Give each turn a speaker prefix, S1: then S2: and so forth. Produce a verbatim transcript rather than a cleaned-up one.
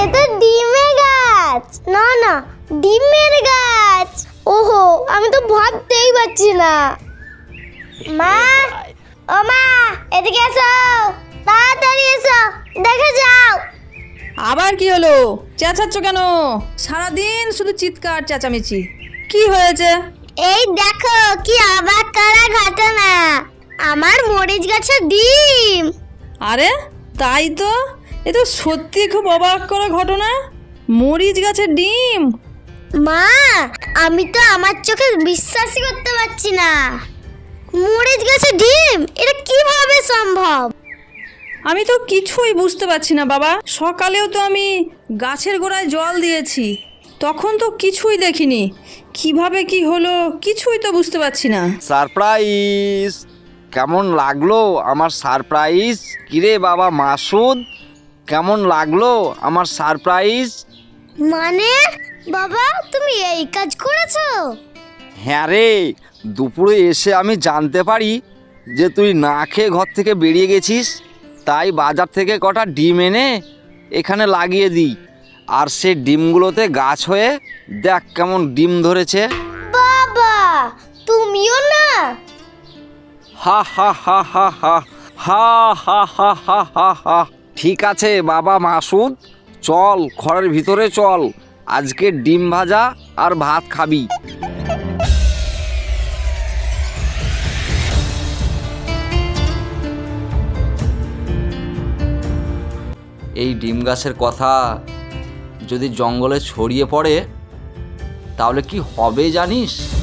S1: এটা ডিমের গাছ। না না, ডিমের গাছ। ওহো, আমি তো ভাবতেই পারছি না। মা, ও মা, এদিকে এসো, তাড়াতাড়ি এসো, দেখে যাও।
S2: আবার কি হলো? চেঁচাচ্ছ কেন? সারাদিন শুধু চিৎকার চেঁচামেচি। কি হয়েছে?
S1: এই দেখো কি অবাক করা ঘটনা, আমার মরিচ গাছের ডিম।
S2: আরে তাই তো, এ তো সত্যি খুব অবাক করা ঘটনা। মরিচ গাছের ডিম?
S1: মা, আমি তো আমার চোখে বিশ্বাসই করতে পারছি না। মরিচ গাছের ডিম, এটা কিভাবে সম্ভব?
S2: আমি তো কিছুই বুঝতে পারছি না বাবা। সকালেও তো আমি গাছের গোড়ায় জল দিয়েছি, তখন তো কিছুই দেখিনি। কিভাবে কি হলো কিছুই তো বুঝতে পারছি না।
S3: সারপ্রাইজ! কেমন লাগলো আমার সারপ্রাইজ? কিরে বাবা মাসুদ, কেমন লাগলো আমার সারপ্রাইজ?
S1: মানে বাবা, তুমি এই কাজ করেছো?
S3: হ্যাঁ রে, দুপুরে এসে আমি জানতে পারি যে তুই না খেয়ে ঘর থেকে বেরিয়ে গেছিস, তাই বাজার থেকে কটা ডিম এনে এখানে লাগিয়ে দিই। আর সে ডিমগুলোতে গাছ হয়ে দেখ কেমন ডিম ধরেছে।
S1: বাবা, তুমিও না?
S3: হা হা হা হা হা হা হা হা হা হা হা। ঠিক আছে বাবা মাসুদ, চল ঘরের ভিতরে চল, আজকে ডিম ভাজা আর ভাত খাবি। এই ডিম গাছের কথা যদি জঙ্গলে ছড়িয়ে পড়ে তাহলে কি হবে জানিস?